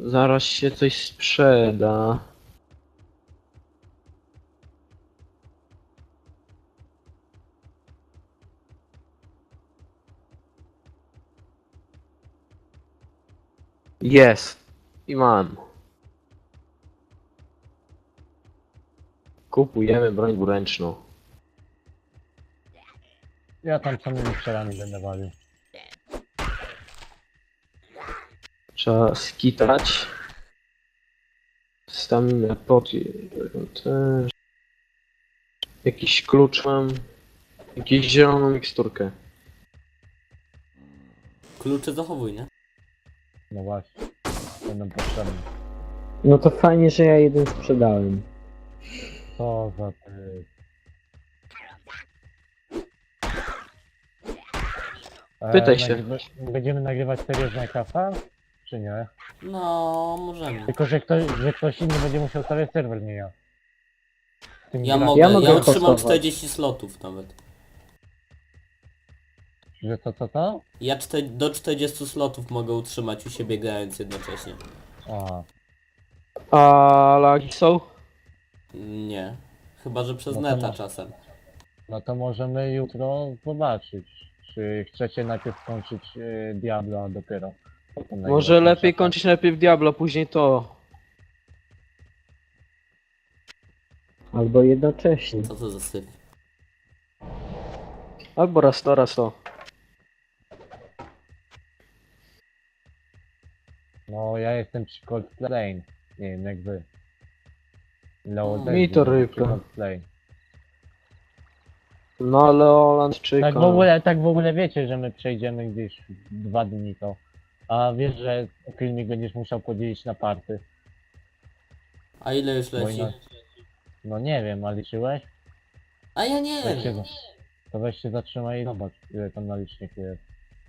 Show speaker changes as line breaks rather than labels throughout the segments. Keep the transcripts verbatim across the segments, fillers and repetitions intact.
Zaraz się coś sprzeda. Jest. I mam. Kupujemy broń dwuręczną.
Ja tam samymi strzelami będę walił.
Trzeba skitać. Staminę pot. Też. Jakiś klucz mam. Jakąś zieloną miksturkę.
Klucze zachowuj, nie?
No właśnie. Będą potrzebne.
No to fajnie, że ja jeden sprzedałem.
Co za ty... E,
Pytaj się.
nagrywa- Będziemy nagrywać serię z Minecrafta? Czy nie?
No, możemy.
Tylko, że ktoś, że ktoś inny będzie musiał stawiać serwer, nie ja. Tym
Ja
gra-
mogę, ja,
mogę
otrzymam
hostować.
czterdzieści slotów nawet.
Że co, co, co?
Ja czte, do czterdziestu slotów mogę utrzymać u siebie grając jednocześnie.
Aha.
A lagi są?
Nie. Chyba, że przez
No to
neta
masz.
czasem.
No to możemy jutro zobaczyć, czy chcecie najpierw skończyć e, Diablo, a dopiero potem
Może
nagrywać
lepiej
Minecrafta.
kończyć najpierw Diablo, później to.
Albo jednocześnie.
Co to za syf?
Albo raz to, raz to.
No ja jestem przy Coldplay. Nie wiem jak wy. Leo
Mi
też
to
był przy
rybka.
Coldplay.
No ale Holandczyka.
Tak w ogóle, tak w ogóle wiecie, że my przejdziemy gdzieś dwa dni to. A wiesz, że filmik będziesz musiał podzielić na party.
A ile już
Bo
leci?
inaczej- No nie wiem, a liczyłeś?
A ja nie
Weź się,
wiem.
za- to weź się zatrzymaj i zobacz, ile tam na liczniku jest.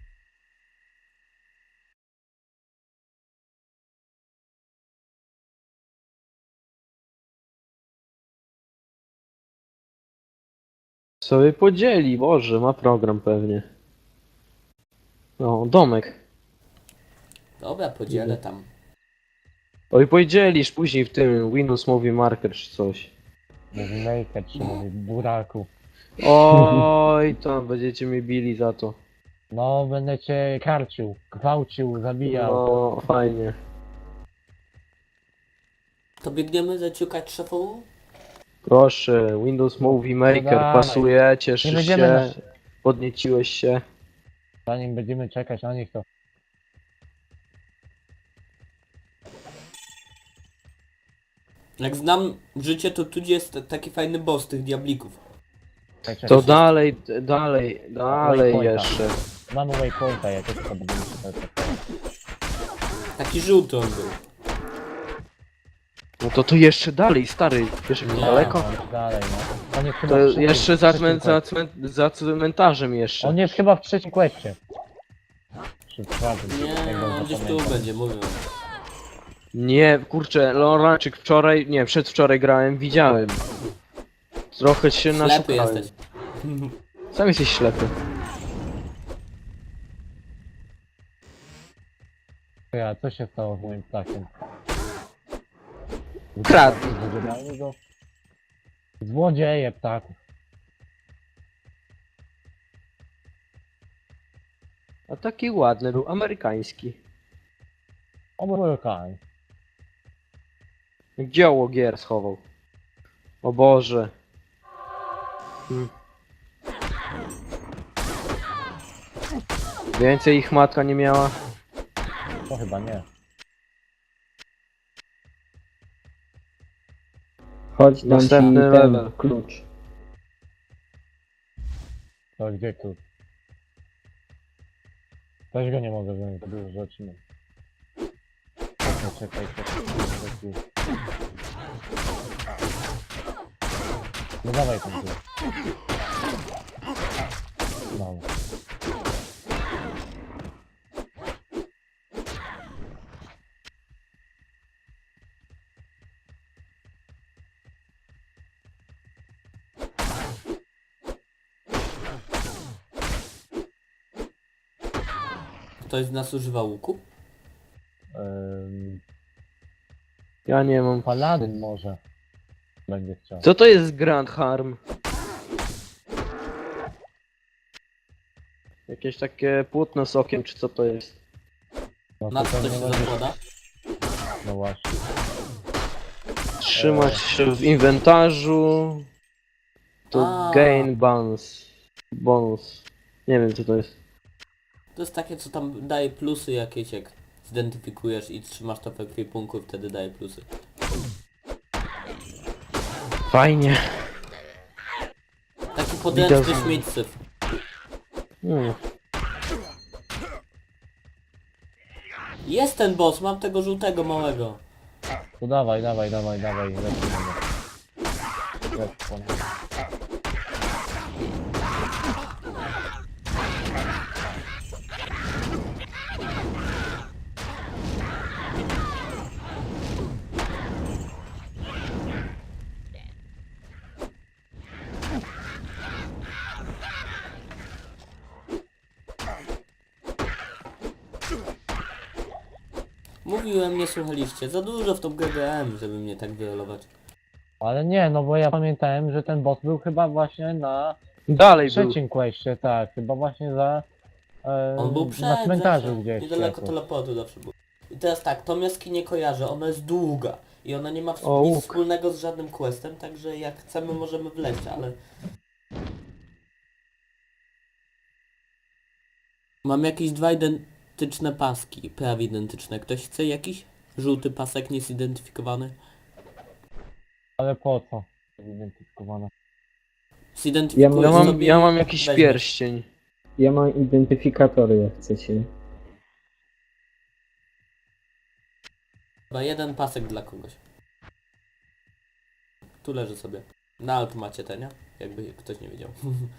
Sobie podzieli, Boże, ma program pewnie. No, domek.
Dobra, podzielę tam.
Oj, podzielisz później w tym Windows Movie Marker czy coś.
Mówi maker, czy mówi buraku.
Oj, to będziecie mnie bili za to.
No, będę cię karcił, gwałcił, zabijał.
No, fajnie.
To biegniemy zaciukać szefową?
Proszę, Windows Movie Maker,
dawaj.
pasuje,
Nie
cieszysz
będziemy
się,
na...
podnieciłeś się.
Zanim będziemy czekać na nich, to...
Jak znam życie, to tu jest taki fajny boss tych diablików.
Czekaj,
To
czekaj.
dalej, dalej, dalej
Waypointa.
jeszcze.
Mamy waypointa, jak to będziemy czytać.
Taki żółty on był.
No to tu jeszcze dalej, stary, wiesz jak
Nie.
daleko?
No, dalej, no. On jest chyba
To
w trzecim-
jeszcze za,
trzecim
cmen, za,
questie.
cmen, za cmentarzem jeszcze.
On jest chyba w trzecim questie. Czy w czwartym,
Nie,
jak dobrze
on gdzieś tu
pamiętam.
będzie, mówię.
Nie, kurczę, Loraczyk wczoraj, nie, przedwczoraj grałem, widziałem. Trochę się
Ślepy
naszukałem.
jesteś.
Sam jesteś ślepy.
Ja, co się stało z moim ptakiem?
Kradł.
Zabieramy go? Złodzieje ptaków.
A taki ładny był, amerykański.
Amerykań.
Dzieło gier schował. O Boże. Hmm. Więcej ich matka nie miała.
To chyba nie.
Chodź, dam ci
Następny
ten
level.
klucz.
To gdzie tu? Też go nie mogę wziąć, to dużo rzeczy mam. Czekaj, czekaj, czekaj, czekaj. No dawaj ten tu. No.
Ktoś z nas używa łuku?
Ym,
Ja nie mam.
Paladyn może będzie chciał.
Co to jest Grand Harm? Jakieś takie płótno z okiem, czy co to jest?
No
Na
to
co to
pewnie
się
będzie-
zakłada?
No właśnie.
Trzymać się w inwentarzu. To
A.
gain bonus. Bonus. Nie wiem co to jest.
To jest takie, co tam daje plusy jakieś, jak zidentyfikujesz i trzymasz to w ekwipunku i wtedy daje plusy.
Fajnie.
Taki podręczny
Widać.
śmieć-syf.
Hmm.
Jest ten boss, mam tego żółtego małego.
To dawaj, dawaj, dawaj, dawaj, lecimy go. Lecimy.
Mówiłem, nie słuchaliście. Za dużo w tą G G M, żeby mnie tak wyrolować.
Ale nie, no bo ja pamiętałem, że ten boss był chyba właśnie na
Dalej był.
trzecim questie, tak, chyba właśnie za... E,
On był przed,
na cmentarzu
zawsze.
gdzieś.
Niedaleko
jakoś.
teleportu zawsze był. I teraz tak, tą jaskinię kojarzę, ona jest długa. I ona nie ma w-
O,
nic
łuk.
wspólnego z żadnym questem, także jak chcemy możemy wleźć, ale... Mam jakieś dwa identyczne paski, prawie identyczne. Ktoś chce jakiś? Żółty pasek niezidentyfikowany?
Ale po co? Zidentyfikowane.
Zidentyfikujesz
Ja mam,
sobie
ja
i
mam jakiś
weźmiesz.
pierścień.
Ja mam identyfikatory, jak chcecie.
Chyba jeden pasek dla kogoś. Tu leży sobie. Na alt macie te, nie? Jakby ktoś nie wiedział.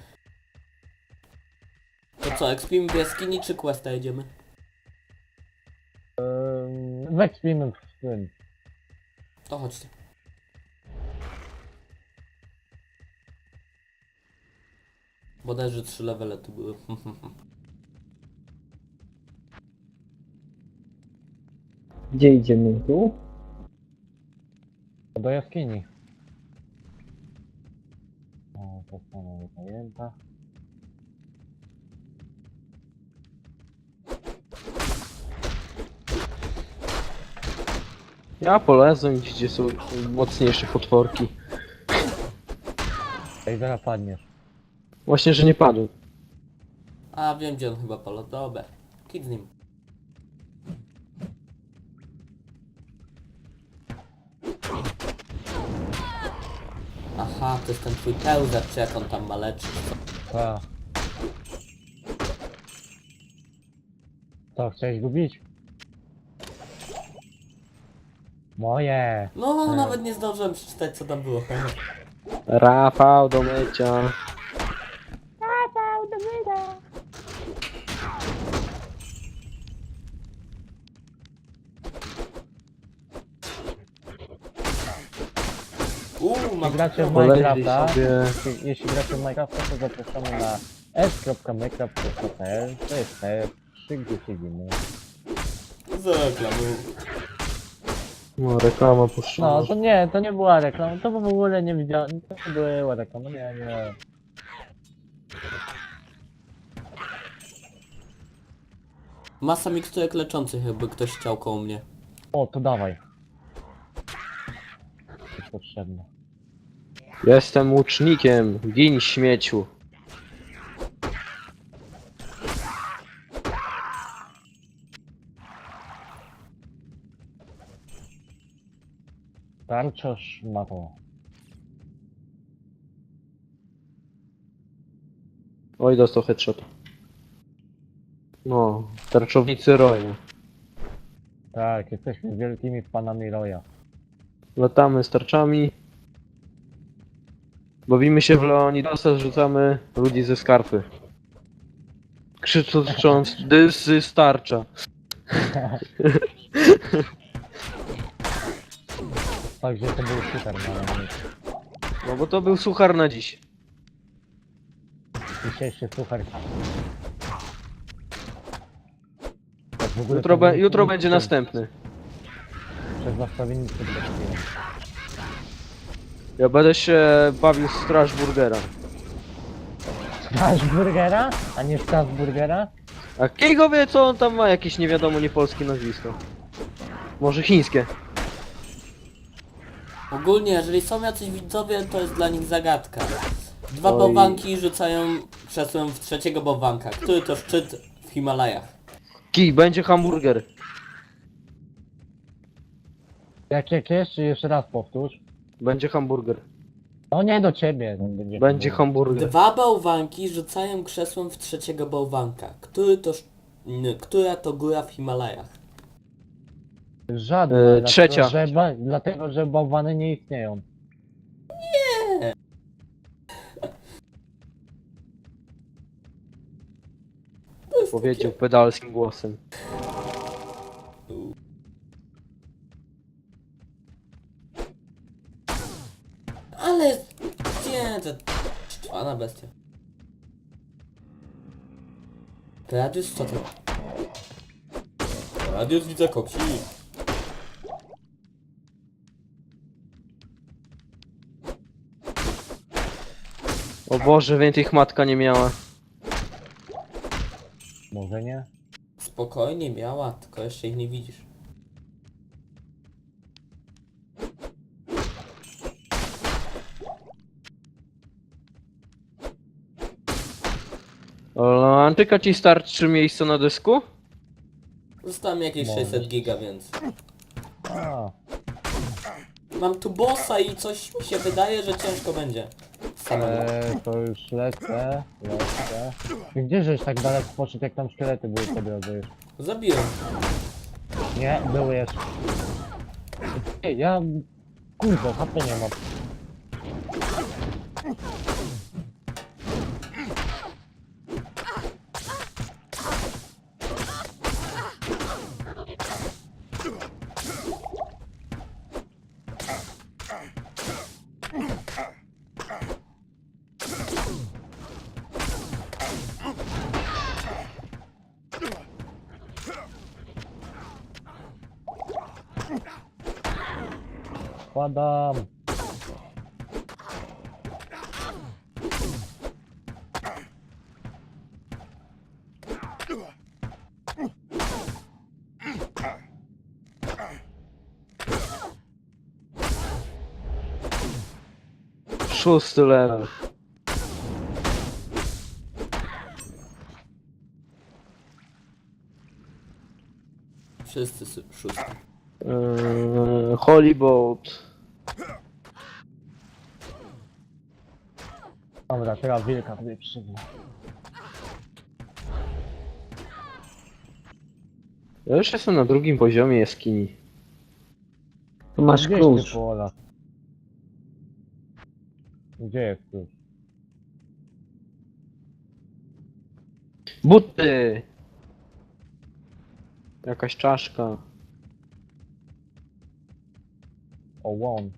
To co, ekspimy w jaskini czy questa jedziemy?
Ehm, Wekspimy w tym.
To chodźcie. Bodajże trzy levele tu były.
Gdzie idziemy? Tu?
Do jaskini. O, to samo zajęta.
Ja polezłem gdzie są mocniejsze potworki.
Ej, zaraz padniesz.
Właśnie, że nie padł.
A wiem gdzie on chyba polo. Dobra. Kid z nim. Aha, to jest ten twój pełzacz, czy jak on tam ma leczyć.
Ta. Co, chciałeś go bić? Moje!
No,
Hmm.
nawet nie zdążyłem przeczytać co tam było.
Rafał do mycia.
Uuu, mam
Gracie w
Poleźli
Minecrafta.
sobie.
Jeśli, jeśli gracie w Minecrafta, to zapraszamy na s kropka minecraft kropka p l. To jest te trzy, gdzie siedzimy.
zareklamuję.
No, reklama puszczona.
No, to nie, to nie była reklama, to w ogóle nie widziałem, to nie była reklama, nie, nie.
Masa miksturek leczących, jakby ktoś chciał koło mnie.
O, to dawaj. Jest potrzebne.
Jestem łucznikiem. Gin śmieciu.
Tarczosz ma to.
Oj, dostał headshot. No, tarczownicy roju.
Tak, jesteśmy wielkimi fanami Roya. Latamy
z tarczami. Bawimy się w Leonidosa, zrzucamy ludzi ze skarpy. Krzycząc, dysy starcza.
Także to był super, no ale
No bo to był suchar na dziś.
dzisiejszy suchar. Tak w ogóle
Jutro,
to
be,
był
jutro
film-
będzie
film.
następny.
Przez zastawiennicę trafiłem.
Ja będę się bawił w Strasburgera.
Straż burgera? A nie Strasburgera?
A Kigo wie co on tam ma, jakieś nie wiadomo niepolskie nazwisko. Może chińskie.
Ogólnie, jeżeli są jacyś widzowie, to jest dla nich zagadka. Dwa
Oj.
bałwanki rzucają krzesłem w trzeciego bałwanka. Który to szczyt w Himalajach?
Kij, będzie hamburger.
Jak, jak jeszcze, jeszcze raz powtórz.
Będzie hamburger.
No nie do ciebie. no Będzie,
Będzie hamburger.
Dwa bałwanki rzucają krzesłem w trzeciego bałwanka. Który to sz... n- Która to góra w Himalajach?
Żadna.
E,
dlatego,
trzecia.
Że, ba- dlatego, że bałwany nie istnieją.
Powiedział pedalskim głosem.
Ale... Nie, to... Szczwana bestia. Radius co to? Radius widzę koksi.
O Boże, więcej ich matka nie miała.
Może nie?
Spokojnie miała, tylko jeszcze ich nie widzisz.
O, Antyka ci starczy miejsca na dysku?
Zostało mi jakieś
Może.
sześćset giga, więc...
A,
Mam tu bossa i coś mi się wydaje, że ciężko będzie. Samemu.
e, to już lecę, lecę. Ty gdzie żeś tak daleko poszedł, jak tam szkielety były po drodze już?
Zabiłem.
Nie, były jeszcze. Ej, ja... Kurde, H P nie mam. Kładam.
Szósty level.
Wszyscy sy- szósty.
Eee, Holy Boat.
Dobra, teraz wilka tutaj przyjdzie.
Ja już jestem na drugim poziomie jaskini.
Tu masz
Gdzieś
klucz.
ty, Pola. Gdzie jest klucz?
Buty! Jakaś czaszka.
O, łąk.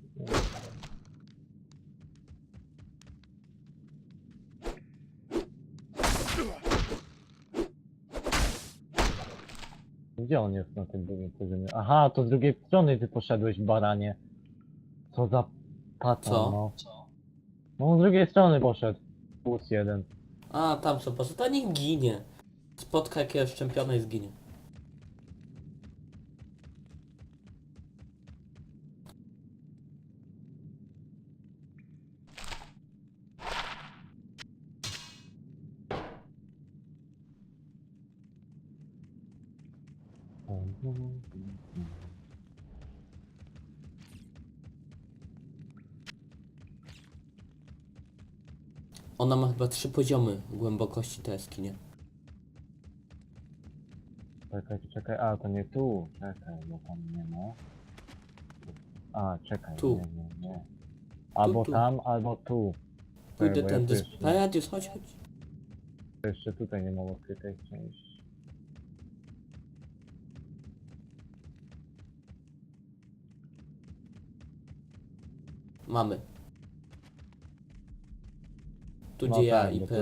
Gdzie on jest na tym drugim poziomie? Aha, to z drugiej strony ty poszedłeś, baranie. Co za patan,
Co?
no. No, z drugiej strony poszedł. Plus jeden.
A, tam co poszedł. To niech ginie. Spotka jakiegoś szczępiona i zginie. Ona ma chyba trzy poziomy głębokości tej jaskinie.
Czekaj, czekaj, a to nie tu. Czekaj, bo tam nie ma. A, czekaj,
Tu.
nie, nie, nie. Albo
tu.
tam, albo tu.
Pójdę
Czekaj, bo ja
tędy.
tu
z-
jeszcze-
Radius, chodź, chodź.
Jeszcze tutaj nie mam odkrytej części.
Mamy. Tu
No
gdzie ja
tak,
i
bo
P.